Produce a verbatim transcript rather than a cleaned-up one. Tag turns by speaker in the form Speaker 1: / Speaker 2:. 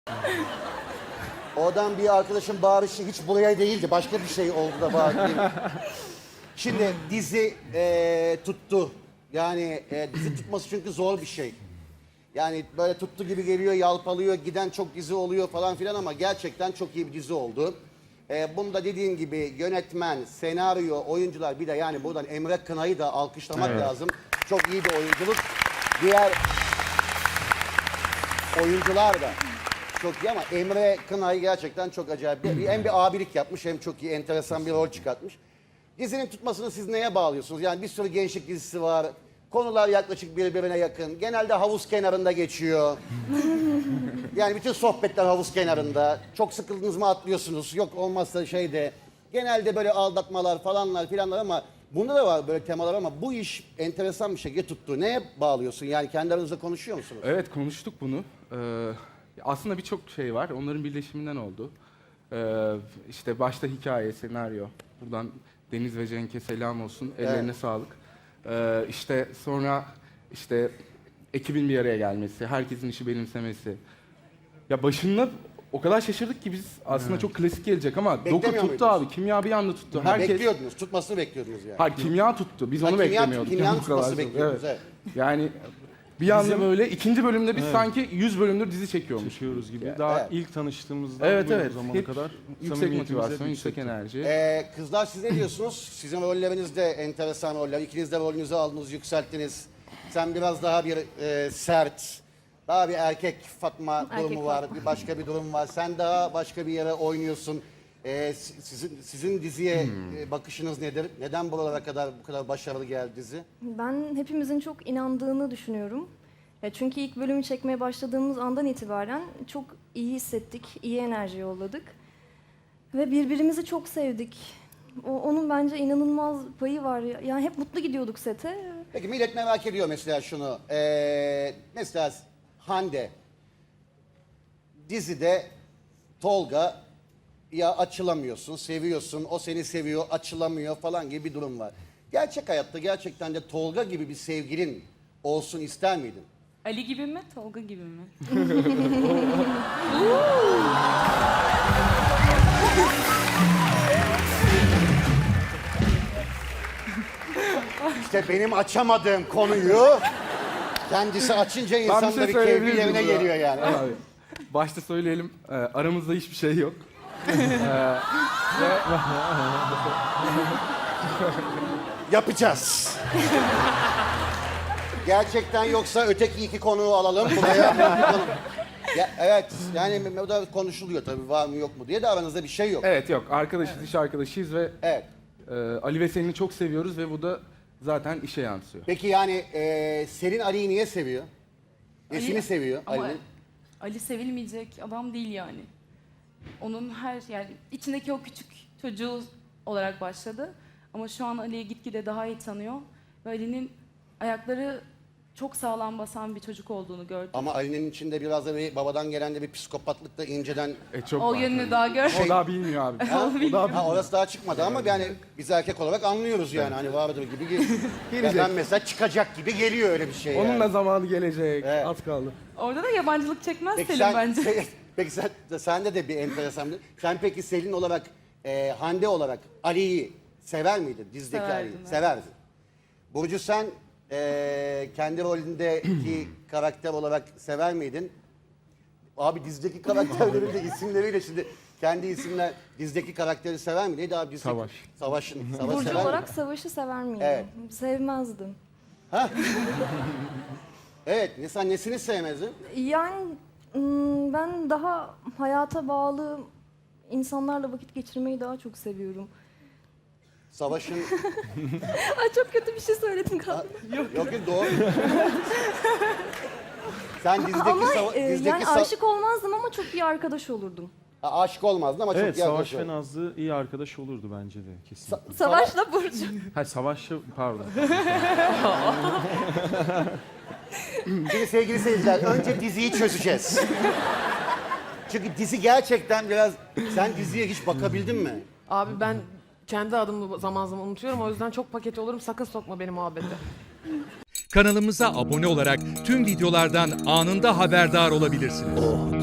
Speaker 1: Oradan bir arkadaşın bağırışı hiç buraya değildi. Başka bir şey oldu da bağırdı. Şimdi dizi e, tuttu. Yani e, dizi tutması çünkü zor bir şey. Yani böyle tuttu gibi geliyor, yalpalıyor, giden çok dizi oluyor falan filan ama gerçekten çok iyi bir dizi oldu. E, bunda dediğin gibi yönetmen, senaryo, oyuncular bir de yani buradan Emre Kınay'ı da alkışlamak
Speaker 2: Evet.
Speaker 1: lazım. Çok iyi bir oyunculuk. Diğer oyuncular da çok iyi ama Emre Kınay gerçekten çok acayip. Bir- Hem bir abilik yapmış hem çok iyi, enteresan bir rol çıkartmış. Dizinin tutmasını siz neye bağlıyorsunuz? Yani bir sürü gençlik dizisi var. Konular yaklaşık birbirine yakın. Genelde havuz kenarında geçiyor. Yani bütün sohbetler havuz kenarında. Çok sıkıldınız mı atlıyorsunuz. Yok olmazsa şeyde. Genelde böyle aldatmalar falanlar filanlar ama bunda da var böyle temalar ama bu iş enteresan bir şekilde tuttu. Neye bağlıyorsun? Yani kendi aranızda konuşuyor musunuz?
Speaker 2: Evet, konuştuk bunu. Ee, aslında birçok şey var. Onların birleşiminden oldu. Ee, işte başta hikaye, senaryo. Buradan Deniz ve Cenk'e selam olsun. Ellerine
Speaker 1: Evet.
Speaker 2: sağlık. Ee, işte sonra işte ekibin bir araya gelmesi, herkesin işi benimsemesi. Ya başında o kadar şaşırdık ki biz aslında çok klasik gelecek ama doku
Speaker 1: Beklemiyor
Speaker 2: tuttu
Speaker 1: muydunuz?
Speaker 2: abi. Kimya bir anda tuttu.
Speaker 1: Ha,
Speaker 2: Herkes
Speaker 1: bekliyordunuz, tutmasını bekliyordunuz yani.
Speaker 2: Hayır, kimya tuttu. Biz
Speaker 1: Ha,
Speaker 2: onu
Speaker 1: kimya-
Speaker 2: beklemiyorduk.
Speaker 1: kimyanın
Speaker 2: Bu kadar
Speaker 1: tutması
Speaker 2: çok.
Speaker 1: bekliyordunuz, evet.
Speaker 2: Yani bir anda böyle ikinci bölümde biz sanki yüz bölümdür dizi çekiyormuş.
Speaker 3: Çekiyoruz gibi.
Speaker 2: Ya,
Speaker 3: Daha
Speaker 1: evet.
Speaker 3: ilk tanıştığımızda
Speaker 2: Evet
Speaker 3: bu
Speaker 2: evet.
Speaker 3: zamana
Speaker 2: Hep
Speaker 3: kadar
Speaker 2: yüksek
Speaker 3: samimiyetimiz hep
Speaker 2: motivasyon, yüksek
Speaker 3: yüksekti.
Speaker 2: enerji.
Speaker 1: Ee, kızlar siz ne diyorsunuz? Sizin rolleriniz de enteresan roller. İkiniz de rolünüzü aldınız, yükselttiniz. Sen biraz daha bir e, sert, daha bir erkek Fatma
Speaker 4: Erkek
Speaker 1: durumu var,
Speaker 4: Fatma.
Speaker 1: bir başka bir durum var. Sen daha başka bir yere oynuyorsun. Ee, si- sizin sizin diziye e, bakışınız nedir? Neden buralara kadar bu kadar başarılı geldi dizi?
Speaker 4: Ben hepimizin çok inandığını düşünüyorum. Ya çünkü ilk bölümü çekmeye başladığımız andan itibaren çok iyi hissettik, iyi enerji yolladık. Ve birbirimizi çok sevdik. O, onun bence inanılmaz payı var. Yani hep mutlu gidiyorduk sete.
Speaker 1: Peki millet merak ediyor mesela şunu. Ee, mesela Hande dizide Tolga ya açılamıyorsun, seviyorsun, o seni seviyor, açılamıyor falan gibi bir durum var. Gerçek hayatta gerçekten de Tolga gibi bir sevgilin olsun ister miydin?
Speaker 5: Ali gibi mi, Tolga gibi mi?
Speaker 1: İşte benim açamadığım konuyu kendisi açınca
Speaker 2: Ben bir
Speaker 1: insanların
Speaker 2: şey
Speaker 1: keyfi
Speaker 2: söyleyebilir miyim
Speaker 1: yerine
Speaker 2: burada?
Speaker 1: geliyor yani.
Speaker 2: Abi, başta söyleyelim, e, aramızda hiçbir şey yok.
Speaker 1: Yapacağız. Gerçekten yoksa öteki iki konuğu alalım buraya. Ya, evet yani o da konuşuluyor tabii var mı yok mu diye de aranızda bir şey yok.
Speaker 2: Evet yok, arkadaşız, iş arkadaşıyız ve
Speaker 1: Evet.
Speaker 2: e, Ali ve Selin'i çok seviyoruz ve bu da zaten işe yansıyor.
Speaker 1: Peki yani e, Selin Ali'yi niye seviyor? Nesini
Speaker 5: Ali-
Speaker 1: seviyor
Speaker 5: Ama
Speaker 1: Ali'nin?
Speaker 5: Ali sevilmeyecek adam değil yani. Onun her yani içindeki o küçük çocuğu olarak başladı. Ama şu an Ali'yi gitgide daha iyi tanıyor. Ve Ali'nin ayakları çok sağlam basan bir çocuk olduğunu gördüm.
Speaker 1: Ama Ali'nin içinde biraz da bir babadan gelen de bir psikopatlık da inceden...
Speaker 2: E, çok
Speaker 5: O
Speaker 2: var.
Speaker 5: yönünü daha gör.
Speaker 2: O daha bilmiyor abi.
Speaker 1: Ha, o da- ha, orası daha çıkmadı ama yani biz erkek olarak anlıyoruz yani hani vardır gibi. ge- Ya ben mesela çıkacak gibi geliyor öyle bir şey
Speaker 2: Onun
Speaker 1: yani.
Speaker 2: da zamanı gelecek.
Speaker 1: Evet.
Speaker 2: Az kaldı.
Speaker 5: Orada da yabancılık çekmez
Speaker 1: Peki
Speaker 5: Selim
Speaker 1: sen,
Speaker 5: bence.
Speaker 1: se- peki sen, sende de bir enteresan bir... Sen peki Selin olarak, e, Hande olarak Ali'yi sever miydin? Dizdeki
Speaker 5: Severdim,
Speaker 1: Ali'yi.
Speaker 5: evet.
Speaker 1: Severdin. Burcu sen e, kendi rolündeki karakter olarak sever miydin? Abi dizdeki karakterlerin de isimleriyle şimdi kendi isimler dizdeki karakteri sever mi? Neydi abi dizdeki?
Speaker 2: Savaş.
Speaker 1: Savaş'ın. Savaş
Speaker 4: Burcu
Speaker 1: sever
Speaker 4: olarak
Speaker 1: mi?
Speaker 4: savaşı sever miydim?
Speaker 1: Evet.
Speaker 4: Sevmezdim.
Speaker 1: Evet. Ne, sen nesini sevmezdin?
Speaker 4: Yani ım, ben daha hayata bağlı insanlarla vakit geçirmeyi daha çok seviyorum.
Speaker 1: Savaş'ın...
Speaker 4: Ay çok kötü bir şey söyledim galiba.
Speaker 1: Yok yok doğru. Sen dizdeki,
Speaker 4: Ama
Speaker 1: sava-
Speaker 4: e,
Speaker 1: dizdeki
Speaker 4: yani
Speaker 1: sa-
Speaker 4: aşık olmazdım ama çok iyi arkadaş olurdum.
Speaker 1: Ha, aşık olmazdın ama
Speaker 3: Evet,
Speaker 1: çok iyi
Speaker 3: Savaş
Speaker 1: arkadaş
Speaker 3: ve
Speaker 1: oldun.
Speaker 3: Nazlı iyi arkadaş olurdu bence de kesin.
Speaker 1: Sa-
Speaker 4: Savaşla Burcu.
Speaker 3: Hayır, Savaş'la pardon.
Speaker 1: Şimdi sevgili seyirciler önce diziyi çözeceğiz. Çünkü dizi gerçekten biraz... Sen diziye hiç bakabildin mi?
Speaker 6: Abi ben kendi adımı zaman zaman unutuyorum. O yüzden çok paket olurum. Sakın sokma beni muhabbete.
Speaker 7: Kanalımıza abone olarak tüm videolardan anında haberdar olabilirsiniz.